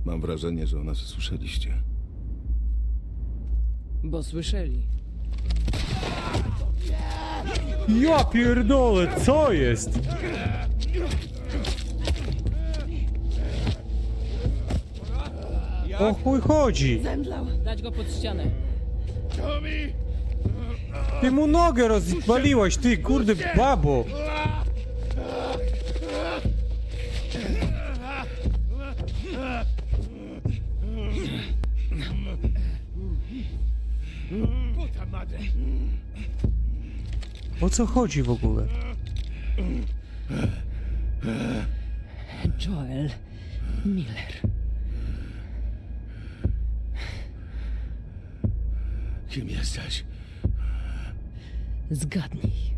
Mam wrażenie, że o nas słyszeliście. Bo słyszeli. Ja pierdolę, co jest? O chuj chodzi? Zemdlał. Dać go pod ścianę. Ty mu nogę rozwaliłaś, ty kurde babo! O co chodzi w ogóle? Joel Miller. Kim jesteś? Zgadnij.